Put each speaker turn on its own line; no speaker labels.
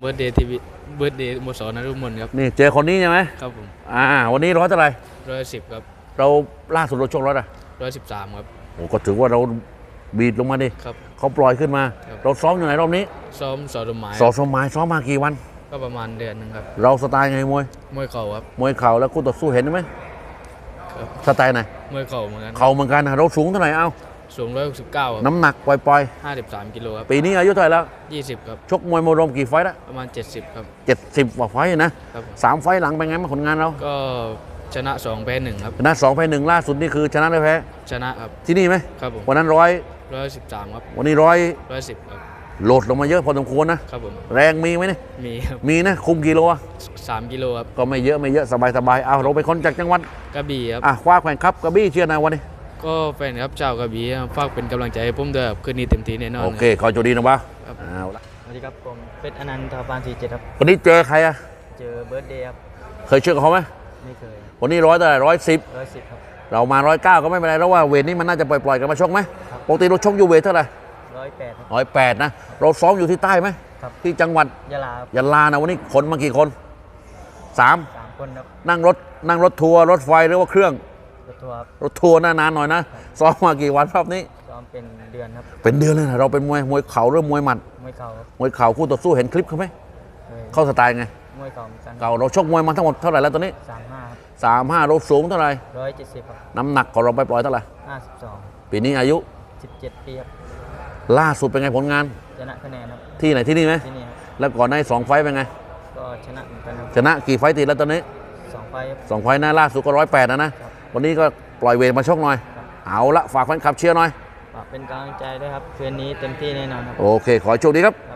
เบิร์ดเดย์ทีวีเบิร์ดเดย์สโมสรนฤมลครับ
นี่เจอคนนี้ใช่ไหม
ครับผม
วันนี้ร้อยเท่าไหร่
110ครับ
เราล่าสุดเราชกร้อยอะ
113ครับ
โอ้ก็ถือว่าเราบีดลงมาดิ
ครับ
เขาปล่อยขึ้นมาเราซ้อมอยู่ไหนรอบนี้
ซ้อมสอดหมาย
สมัยซ้อมมากี่วัน
ก็ประมาณเดือนนึงครับ
เราสไตล์ไงมวย
เข่าครับ
มวยเข่าแล้วคู่ต่อสู้เห็นไหม
ครับ
สไตล์ไหน
มวยเข่าเหมือนกัน
เข่าเหมือนกันนะเราสูงเท่าไหร่
สูง169ครับ
น้ำหนักปล่อย
53กิโลครับ
ปีนี้อายุเท่าไหร่แล้ว
20ครับ
ชกมวยรวมกี่ไฟต์แล้ว
ประมาณ70ครับ
70กว่าไฟต์นะครับ3ไฟต์หลังเป็นไงบ้างผลงานเรา
ก็ชนะ2แพ้1ครับ
ชนะ2แพ้1ล่าสุดนี่คือชนะหรือแพ้
ชนะครับ
ที่นี่ไหม
ครับผม
วันนั้น
113ครับ
วันนี้
110ครับ
โหลดลงมาเยอะพอสมควรนะครับ
ผม
แรงมีไหมเนี่ย
มีครับ
มีนะคุมกิโล
3กิโลครับ
ก็ไม่เยอะสบายเอาเราไปคนจากจังหวัด
กระบี่ครับ
คว้าแข่งครับกระบี่เชียร์นะวันนี้
ก็แฟนครับเจ้ากระบี่ฝากเป็นกำลังใจให้ผมด้วยครับคืนนี้เต็มที่แน่นอน
โอเคขอโชคดีนะบ้า
เอาละ
สวัสดีครับผมเพชรอนันต์ทวาร47ครับ
วันนี้เจอใคร
เจอเบิร์ดเดย์ครับ
เคยเชื่อเขาไหม
ไม่เคย
วันนี้เท่าไหร่
110ครับ
เรามา109ก็ไม่เป็นไรแล้วว่าเวทนี้มันน่าจะปล่อยกันมาชกไหมปกติเราชกอยู่เวทเท่าไหร่
108ครับ
108นะเราซ้อมอยู่ที่ใต้ไหมที่จังหวัด
ยะลา
ยะลานะวันนี้คนมากี่คน3
คนครับ
นั่งรถทัวร์รถไฟหรือว่าเครื่อง
รถทัวร์
รถทัวร์นานๆหน่อยนะซ้อมมากี่วันรอบนี้
ซ้อมเป็นเดือนครับ
เป็นเดือนเลยนะเราเป็นมวยเข่าหรือมวยหมัด
มวยเข่าครับ
มวยเข่าคู่ต่อสู้เห็นคลิปเขาไหมเข้าสไตล์ไง
มวยเข่าเหมือนกัน
เก่าเราชกมวยมาทั้งหมดเท่าไหร่แล้วตอนนี้35เราสูงเท่าไหร่
170ครับ
น้ำหนักของเราไปปล่อยเท่าไหร่
52
ปีนี้อายุ
17ปีครับ
ล่าสุดเป็นไงผลงาน
ชนะคะแนนครับ
ที่ไหนที่นี่ไหม
ที่นี่ครับ
แล้วก่อนใน2ไฟต์เป็นไง
ก็ชนะเหมือนกันครับ
ชนะกี่ไฟต์ติดแล้วตอนนี้
2ไฟต์ครับ
2ไฟต์นะล่าสุดก็108นะวันนี้ก็ปล่อยเวทมาชกหน่อยเอาละฝากแฟนคลับเชียร์หน่อย
ฝากเป็นกำลังใจด้วยครับคืนนี้เต็มที่แน่นอนครับ
โอเคขอโชคดีครับ